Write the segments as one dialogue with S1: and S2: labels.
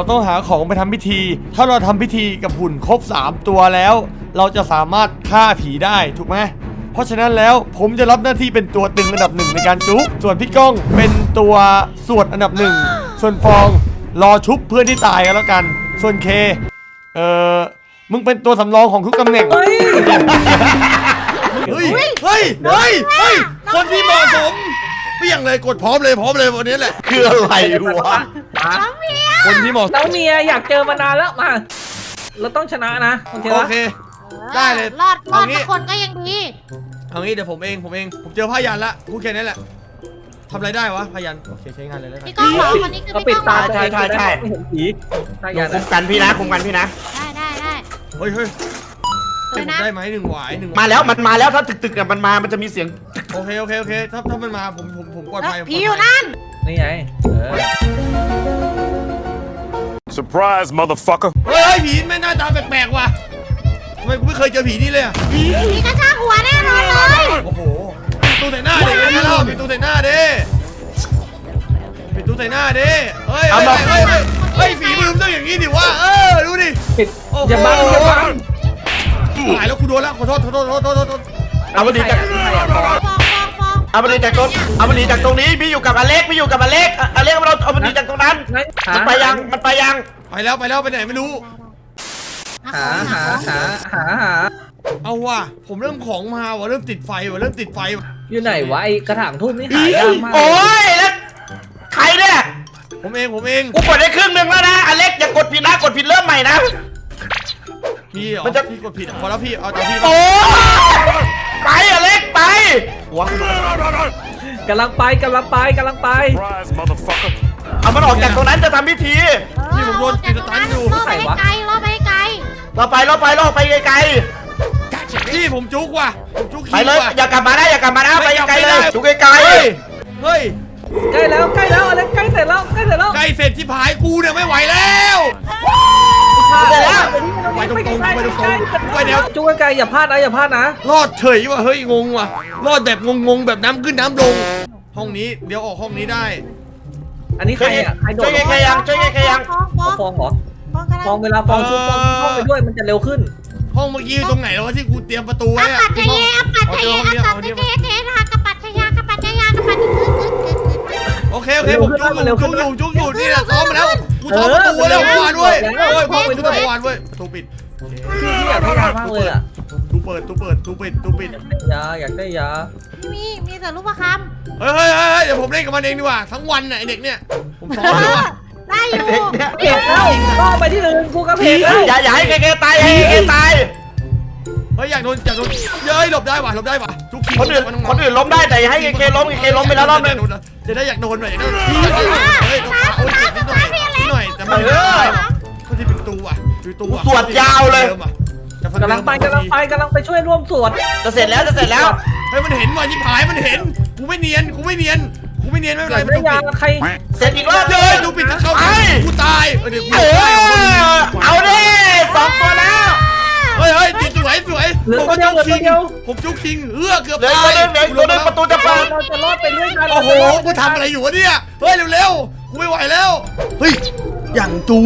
S1: ต้องหาของไปทำพิธีถ้าเราทำพิธีกับหุ่นครบ3ตัวแล้วเราจะสามารถฆ่าผีได้ถูกไหมเพราะฉะนั้นแล้วผมจะรับหน้าที่เป็นตัวตึงอันดับ1ในการจุ๊ส่วนพี่ก้องเป็นตัวสวดอันดับ1ส่วนฟองรอชุบเพื่อนที่ตายกันแล้วกันส่วนเคมึงเป็นตัวสำรองของทุกตำแหน่งเฮ้ยคนที่เหมาะสมเปี้ยงเลยกดพร้อมเลยวันนี้แหละ
S2: คืออะไรวะ
S1: คนที่เหมาะ
S3: น้องเมียอยากเจอมานานแล้วมาเราต้องชนะนะโอเค
S1: ได้เลย
S4: รอดทุกคนก็ยังดี
S1: เอางี้เดี๋ยวผมเองเจอพยัญละพูดแค่นี้แหละทำอะไรได้วะพยัญโอเคใช้งานเลยแล้วกัน
S4: พี่ก้องเหรอคนนี้คือพี่ก้องเหรอ
S3: ใช่ไม่เห็นผี
S2: คุมกันพี่นะ
S4: ได้
S1: เฮ้ยได้ไหม1 หวาย
S2: มาแล้วมันมาแล้วถ้าตึกๆมันมามันจะมีเสียง
S1: โอเคถ้ามันมาผมปลอดภัย
S4: ผีอยู่นั่น
S3: นี่ไง
S5: Surprise motherfucker
S1: เฮ้ยผีไม่หน้าตาแปลกๆว่ะทำไมกูไม่เคยเจอผีนี่เลยอ่ะ
S4: ผีกระชากหัวแน่นอนเลย
S1: โอ้โหปิดตู้ใส่หน้าดิปิดตู้ใส่หน้าดิเฮ้ยฝีมือต้องอย่างนี้ดิวะดูดิ
S3: อย่าบัง
S1: หายแล้วกูโดนแล้วขอโทษ
S2: เอามาดีจากตรงนี้พี่อยู่กับอเล็กเราเอามาดีจากตรงนั้นมันไปยัง
S1: ไปแล้วไปไหนไม่รู้
S3: หา
S1: เอาว่ะผมเริ่มของมาว่ะเริ่มติดไฟ
S3: อยู่ไหนวะไอ้กระถางทูบนี่หายากมาก
S2: โอ้ยแล้วใครเนี่ย
S1: ผมเอง
S2: กูกดได้ครึ่งนึงแล้วนะอเล็กอย่ากดผิดนะกดผิดเริ่มใหม่นะ
S1: พี่พี่กดผิดพอแล้วพี่เอาตามพี่
S2: โอ้ไปอเล็กไปหัว
S3: กำลังไป
S5: Surprise motherfucker
S2: เอามันออกจากตรงนั้นจะทำพิธี
S1: นี่ผมโดนติดสตันอยู่
S4: รอไปไกล
S2: เราไปไกล
S1: พี่ผมจุกว่ะผมจุก
S2: ไปเลยอย่ากลับมานะไปไกลเลยจุกไกล
S1: เฮ้ย
S3: ใกล้แล้วอะไรใกล้เสร็จแล้ว
S1: ใกล้เสร็จที่ผายกูเนี่ยไม่ไหวแล้วไปตรงไปเดี๋ยว
S3: จุกไกลอย่าพลาดนะ
S1: รอดเฉยว่ะเฮ้ยงงว่ะรอดแบบงงแบบน้ำขึ้นน้ำลงห้องนี้เดี๋ยวออกห้องนี้ได้
S3: อันนี้ใครอ่ะโดน
S2: ช่วยใครยัง
S3: ฟองเหรอฟองเวลาฟองชุบฟองเข้าไปด้วยมันจะเร็วขึ้น
S1: ห้องเมื่อกี้ตรงไหนแล้วที่กูเตรียมประตูไว้อะ
S4: ปัจจัยปัจจัย
S1: โอเคผมจุกอยู่นี่แหละซ้อมมาแล้วกูซ้อมประตูแล้วเมื่อวานด้วยพ่อไปด้วยเมื่อวานด้วยประตูปิด
S3: พี่อยากได้ยามากเลยอ่ะ
S1: ตู้เปิด
S3: อยากได้ยา
S4: มีแต่รูปประคำ
S1: เฮ้ยเดี๋ยวผมเล่นกับมันเองดีกว่าทั้งวันน่ะไอเด็กเนี่ยผมซ้อมเลยว่ะ
S4: ได้อยู่
S3: เพจแล้วก็ไปที่อื่นกูกับเพจแล้ว
S2: อย่าให้เกตาย
S1: เฮ้ยอยากโดนเย้ยหลบได้ว่ะทุกที
S2: คนอื่นล้มได้แต่ให้เกล้มไปแล้วรอบนึง
S1: จะได้อยากโดนหน่อยเฮ้ยหน่อยแต่มันเขาที่เป็นตัว
S2: สวดยาวเลย
S3: กำลังไปช่วยร่วมสวด
S2: จะเสร็จแล้ว
S1: เฮ้ยมันเห็นว่ะที่ผายมันเห็นกูไม่เนียนไม่เป็นไร
S3: ไม่ยาใคร
S2: เสร็จอีกรอบ
S1: เลยดูปิดเข้ากูตาย
S2: เอาดิ2 ตัวแล้ว
S1: เฮ้ยติดสวยผมจุกคิงเกือบตาย
S2: ประตูจะเปิด
S3: เราจะรอดไปเรื่อยๆ
S1: โอ้โหกูทำอะไรอยู่วะเนี่ยเฮ้ยเร็วกูไม่ไหวแล้วเฮ้ยอย่างจู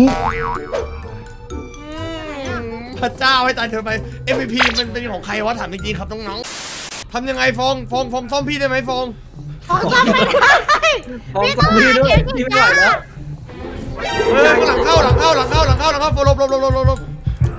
S1: พระเจ้าให้ตายเธอไป MVP มันเป็นของใครวะถามจริงๆครับน้องๆทำยังไงฟองซ่อมพี่ได้ไหมฟอง
S4: ซ่อมไม่ได้
S3: พี่ด้วยพี่ไม่ไหวแล้ว
S1: หลังเข้าลบ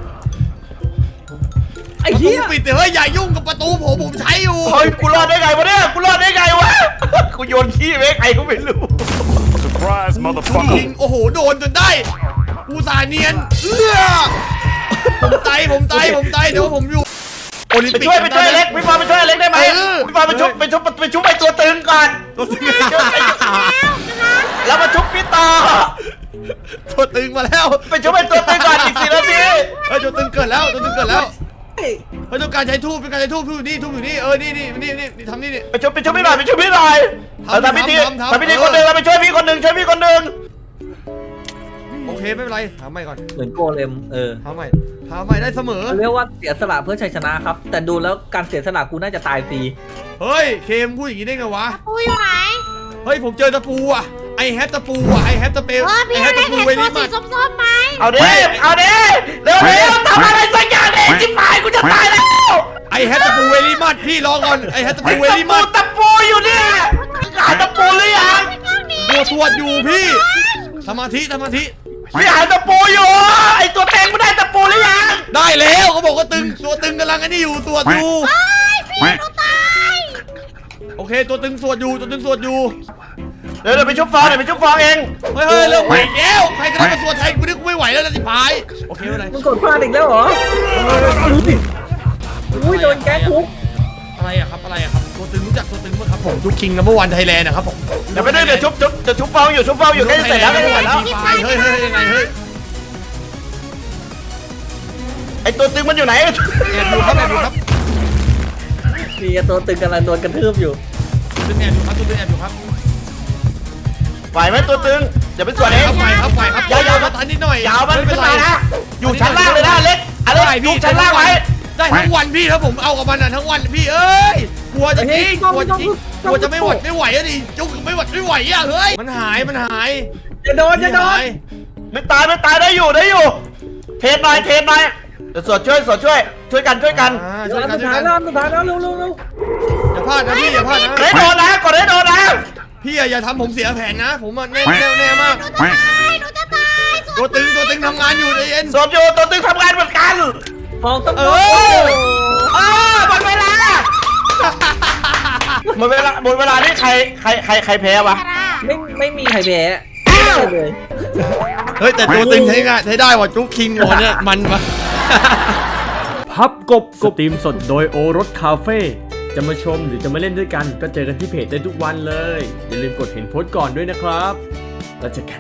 S3: ไอ้เหี้ย
S1: ปิดเฮ้ยอย่ายุ่งกับประตูผมใช้อยู่
S2: เฮ้ยกูรอดได้ไงวะเนี่ยกูโยนขี้ไปใครก็ไม่รู้
S5: Surprise motherfucker
S1: โอ้โหโดนจนได้กูสาเนียนผมตายเดี๋ยวผมอยู่
S2: ไปช่วยเล็กพี่ฟอไปช่วยเล็กได้ไหมพี่ฟอไปชุบไปตัวตึงก่อนแล้วมาชุบพี่ต่อ
S1: ตัวตึงมาแล้ว
S2: ไปชุบไปตัวตึงก่อนอีก4 นาที
S1: ตัวตึงเกิดแล้วเฮ้ยต้องการใช้ทูบทูบอยู่นี่นี่ทำนี่
S2: ไปชุบไม่หน่อยทำพิธีคนหนึ่งเราไปช่วยพี่คนหนึ่ง
S1: โอเคไม่เป็นไรถามใหม่ก่อน
S3: เหมือนโกเลม
S1: ถามใหม่ได้เสมอ
S3: เรียกว่าเสียสละเพื่อชัยชนะครับแต่ดูแล้วการเสียสละกูน่าจะตายฟรี
S1: เฮ้ยเคมพูดอย่างนี้ได้ไงวะ
S4: ตะปูอยู่ไหน
S1: เฮ้ยผมเจอตะปูอ่ะไอแฮปตะปูอะไอแฮปตะเปล
S4: พี่
S1: ไอแฮ
S4: เล็
S1: ป
S4: ก
S1: ตะปู
S4: เห็น
S1: เว
S4: ตัว
S1: ลิ
S4: สี
S1: มัด
S4: ส้มๆไหม
S2: เอาดิเร็วทำอะไรสักอย่างดิจิ๋วกูจะตายแล้ว
S1: ไอแฮปตะปูเวลิมัดพี่รอก่อนไอแฮปตะปูเวลิมัด
S2: ตะปูอยู่เนี่ยหาตะปูหรือยัง
S1: สวดอยู่พี่สมาธิ
S2: พี่หาตะปูอยู่ไอตัวเต็งไม่ได้ตะปูหรือยัง
S1: ได้แล้วเขาบอกว่าตึงตัวตึงกำลังอันนี้อยู่สวดอยู่
S4: พี่หนูตาย
S1: โอเคตัวตึงสวดอยู่
S2: เดี๋ยวไปชุบฟองเดี๋ยวไปชุบฟองเอง
S1: เฮ้ยเริ่มไหวแล้วใครก็ได้มาสวดไทยกูนึกกูไม่ไหวแล้วนะสิพายโอเคไม่เป็นไร
S3: มึงกดพลาดอีกแล้วเหรออุ้ยโดนแก๊สทุบ
S1: อะไรอะครับตัวตึงรู้จักตัวตึงไหมครับผมทุกคิงนัมเบอร์วันไทยแลนด์นะครับผม
S2: เดี๋ยวไปด้วยเดี๋ยวชุบฟองอยู่ใกล้เสร็จแล้ว
S1: เฮ้ยยังไงเฮ้ย
S2: ไอตัวตึงมันอยู่ไหน
S1: แอบอยู่ครับ
S3: มีตัวตึงกำลังโดนกระทืบอยู่
S1: ตัวตึงแอบอยู่ครับ
S2: ไหวไหมตัวตึงเดี๋ยวไปสวดเอง
S1: ไปครับยาวมาตันนิดหน่อย
S2: ยาวมันขึ้นมานะอยู่ชั้นล่างเลยนะเล็กอะไรอยู่ชั้นล่างไว้
S1: ได้ทั้งวันพี่ถ้าผมเอากับมันทั้งวันพี่เอ้ยกลัวจะทิ้งกลัวจะไม่ไหวอะดิจุกไม่ไหวอะเฮ้ยมันหาย
S3: จะโดน
S2: ไม่ตายได้อยู่เทหน่อยเดี๋ยวสวดช่วยกัน
S3: สุดท้ายแล้วเร็ว
S1: อย่าพลาดนะพี่อย่าพลาดนะ
S2: ได้โดนนะก่อนได้โดนนะ
S1: พี่อย่าทำผมเสียแผนนะผมแน่มาก
S4: หนูจะตาย
S1: ตัวตึงทำงานอยู่ใจเย็น
S2: สวดอยู่ตัวตึงทำงานเหมือนกัน
S3: ฟองต้อง
S2: หมดเวลานี่ใครแพ้วะ
S3: ไม่มีใครแพ้เลย
S1: เฮ้ยแต่ตัวตึงใช้ได้ว่ะจุ๊กคิงโอเนี่ยมันปะ
S6: พับกบสตรีมสดโดยโอรสคาเฟ่จะมาชมหรือจะมาเล่นด้วยกันก็เจอกันที่เพจได้ทุกวันเลย อย่าลืมกดเห็นโพสต์ก่อนด้วยนะครับแล้วเจอกัน